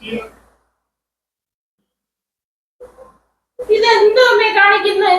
ഇതെന്തോ അമ്മേ കാണിക്കുന്നേ?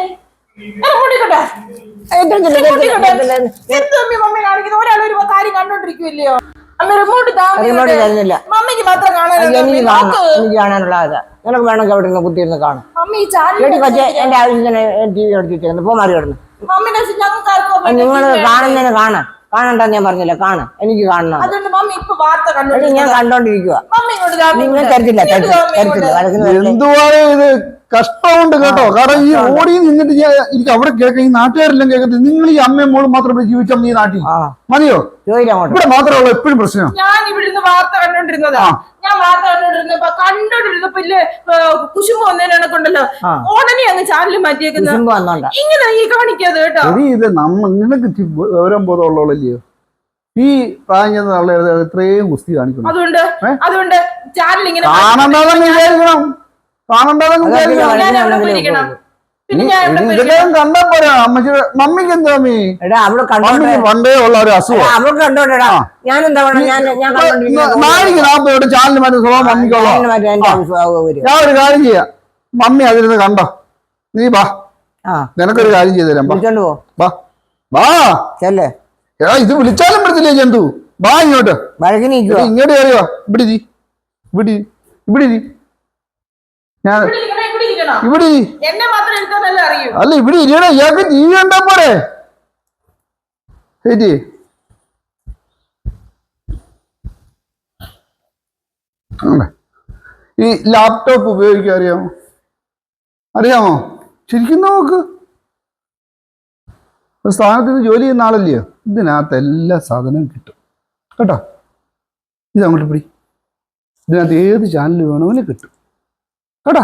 ഒരാൾ ഒരു കാര്യം കണ്ടോണ്ടിരിക്കുമല്ലയോ? അമ്മ റിമോട്ട് മമ്മിക്ക് മാത്രം കാണാനുള്ള നിനക്ക് വേണമെങ്കിൽ അവിടെ നിന്ന് കുത്തിയിരുന്ന് കാണും. എന്റെ ആവശ്യത്തിന് ടി വി എടുത്തിരിക്കുന്നു. പോ മാറി കിടന്നു. നിങ്ങൾ കാണുന്നതിന് കാണണ്ടെന്ന് ഞാൻ പറഞ്ഞില്ല. കാണാം, എനിക്ക് കാണണം. ഞാൻ കണ്ടോണ്ടിരിക്കുക. നിങ്ങൾ തരത്തില്ല. എന്തുവാണ് ഇത്? കഷ്ടമുണ്ട് കേട്ടോ. കാരണം ഈ ഓടി നിന്നിട്ട് എനിക്ക് അവിടെ കേൾക്കാം, ഈ നാട്ടുകാരെല്ലാം കേൾക്കത്തില്ല. നിങ്ങൾ ഈ അമ്മയും മോളും മാത്രം ജീവിച്ചാൽ ഈ നാട്ടിൽ മതിയോ? ഇവിടെ മാത്രമല്ല എപ്പോഴും പ്രശ്നം. ഞാൻ ഇവിടുന്ന് വാർത്ത കണ്ടോണ്ടിരുന്നതാ. ഞാൻ വാർത്ത കണ്ടോണ്ടിരുന്നപ്പോ കുശുമ്പ് വന്നതിനെ കൊണ്ടല്ലോ ഉടനെ അങ്ങ് ചാനൽ മാറ്റിയേക്കുന്നത്. ഇങ്ങനെ ഈ കാണിക്കാതെ കേട്ടോ. ഇത് നിനക്ക് വിവരം ബോധമുള്ളല്ലോ. ഈ പ്രായം എത്രയും കുസ്തി കാണിക്കണം. അതുകൊണ്ട് ചാനൽ ഇങ്ങനെ കാണണ്ടെന്ന് വിചാരിക്കണം. ഇതെല്ലാം കണ്ടാ പോരാ. മമ്മിക്ക് എന്താ പണ്ടേ ഉള്ള ഒരു അസുഖം. ചാനൽ മാറ്റി സ്വഭാവം മമ്മിക്കുള്ള. ഞാൻ ഒരു കാര്യം ചെയ്യാം, മമ്മി അതിരുന്ന് കണ്ടോ, നീ വാ, നിനക്കൊരു കാര്യം ചെയ്തു തരാം. ഇത് വിളിച്ചാലും പറ്റത്തില്ലേ ജന്തു? വാ ഇങ്ങോട്ട്. ഇങ്ങോട്ട് കയറിയോ? ഇവിടെ ഞാൻ ഇവിടെ അല്ല, ഇവിടെ ഇരിയണേ. ഇയാൾക്ക് ടി വി കണ്ടാ പോരെ? ഈ ലാപ്ടോപ്പ് ഉപയോഗിക്കാൻ അറിയാമോ? ശരിക്കും നോക്ക്. ഒരു സ്ഥാനത്ത് നിന്ന് ജോലി ചെയ്യുന്ന ആളല്ലയോ? ഇതിനകത്ത് എല്ലാ സാധനവും കിട്ടും കേട്ടോ. ഇത് അങ്ങോട്ട് പിടി. ഇതിനകത്ത് ഏത് ചാനൽ വേണമെങ്കിലും കിട്ടും കേട്ടോ.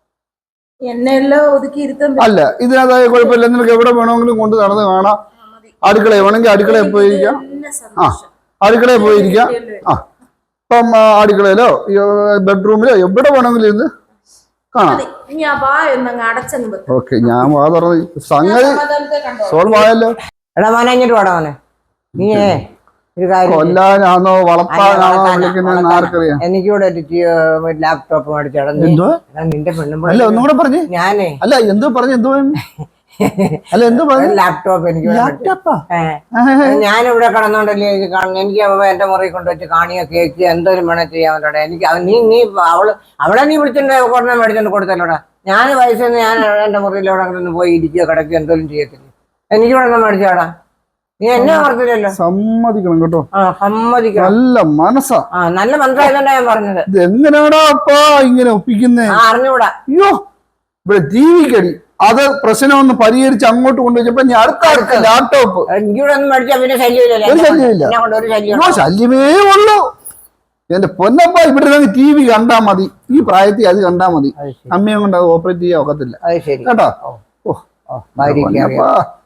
അല്ല, ഇതിനകത്തായ കുഴപ്പമില്ല. നിനക്ക് എവിടെ വേണമെങ്കിലും കൊണ്ട് നടന്ന് കാണാം. അടുക്കളയിൽ വേണമെങ്കിൽ അടുക്കളയിൽ പോയിരിക്കാം. അടുക്കളയിൽ പോയിരിക്കാം. ഇപ്പം അടുക്കളയിലോ ബെഡ്റൂമിലോ എവിടെ വേണമെങ്കിലും ഇരുന്ന് കാണാം. ഓക്കെ, ഞാൻ വാ തുറന്ന് സംഗതി സോൾവ് ആയല്ലോ. കൊല്ലാനാണോ വളർത്താനാണോ വിളിക്കുന്നതെന്ന് ആർക്കറിയാം. എനിക്കിവിടെ ലാപ്ടോപ്പ് മേടിച്ചോടാ. നിന്റെ പെണ്ണും അല്ല, ഒന്നുകൂടെ പറഞ്ഞു. ഞാനേ അല്ല, എന്തോ പറഞ്ഞു. എന്തോ അല്ല, എന്തോ പറഞ്ഞു. ലാപ്ടോപ്പ് എനിക്ക് ഞാനിവിടെ കടന്നോണ്ടല്ലേ ഇത് കാണുന്നു. എനിക്ക് എന്റെ മുറിയിൽ കൊണ്ടുവച്ച് കാണിയോ കേക്ക് എന്തോരും വേണം ചെയ്യാൻ പറ്റോടെ. എനിക്ക് നീ അവളെ നീ വിളിച്ചിട്ട് കുറഞ്ഞ മേടിച്ചോണ്ട് കൊടുത്തല്ലോടാ. ഞാൻ വയസ്സിൽ ഞാൻ എന്റെ മുറിയിലോടെ പോയി ഇരിക്കുകയോ കിടക്കുകയോ എന്തോരും ചെയ്യത്തില്ല. എനിക്കിവിടെ മേടിച്ചോടാ. നീ എന്നെ ഓർത്തില്ലല്ലോ. സമ്മതിക്കണം കേട്ടോ. സമ്മതിക്കണം. നല്ല മനസ്സാ. നല്ല മനസ്സായതുകൊണ്ടാ ഞാൻ പറഞ്ഞത്. എങ്ങനെയാടാ അപ്പാ ഇങ്ങനെ ഒപ്പിക്കുന്നേ? അറിഞ്ഞൂടാ. അയ്യോ, ഇവിടെ ജീവിക്കടി. അത് പ്രശ്നമൊന്ന് പരിഹരിച്ച് അങ്ങോട്ട് കൊണ്ടുവച്ചപ്പോ ഞാൻ അടുത്ത ലാപ്ടോപ്പ് എനിക്കിവിടെ ഒന്നും മേടിച്ചാ പിന്നെ ശല്യമില്ല. ശല്യമേ ഉള്ളൂ. എന്റെ പൊന്നപ്പ, ഇവിടെ ടി വി കണ്ടാ മതി. ഈ പ്രായത്തിൽ അത് കണ്ടാ മതി. അമ്മയെ കൊണ്ട് അത് ഓപ്പറേറ്റ് ചെയ്യാൻ ഒക്കത്തില്ല കേട്ടോ. ഓ,